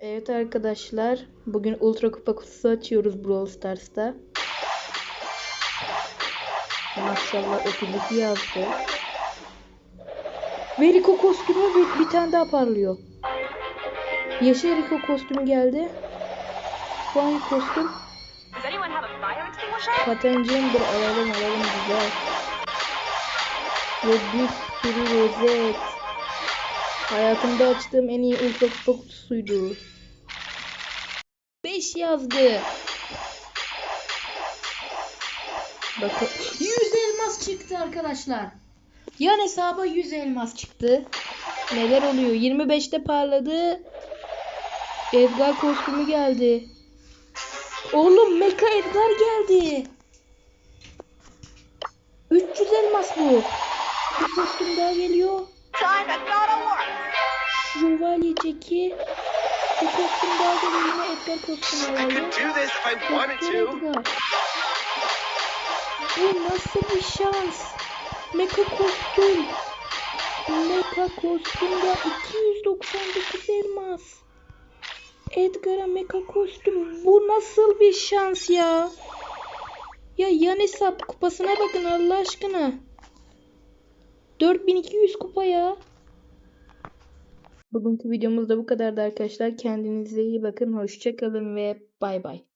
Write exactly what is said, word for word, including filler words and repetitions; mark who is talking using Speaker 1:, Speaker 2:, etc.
Speaker 1: Evet arkadaşlar, bugün Ultra Kupa kutusu açıyoruz Brawl Stars'ta. Maşallah öpüldük yazdı. Ve Rico kostümü bir, bir tane daha parlıyor. Yeşil Rico kostümü geldi. Bu hangi kostüm? Patencimdir, alalım alalım güzel. Ve bir sürü rozet. Hayatımda açtığım en iyi Ultra Kupa kutusuydu. beş yazdı. Bakın yüz elmas çıktı arkadaşlar. Yan hesaba yüz elmas çıktı. Neler oluyor? yirmi beşte parladı. Edgar kostümü geldi. Oğlum Mecha Edgar geldi. üç yüz elmas bu. Bir kostüm daha geliyor. Şövalye Jackie. Bir kostüm daha geliyor. Yine Edgar kostümü aldı. Edgar. Bu nasıl bir şans? Mecha kostüm. Mecha kostümde iki yüz doksan dokuz elmas. Edgar'a mecha kostüm. Bu nasıl bir şans ya? Ya yan hesap kupasına bakın Allah aşkına. dört bin iki yüz kupa ya. Bugünkü videomuz da bu kadardı arkadaşlar. Kendinize iyi bakın. Hoşça kalın ve bay bay.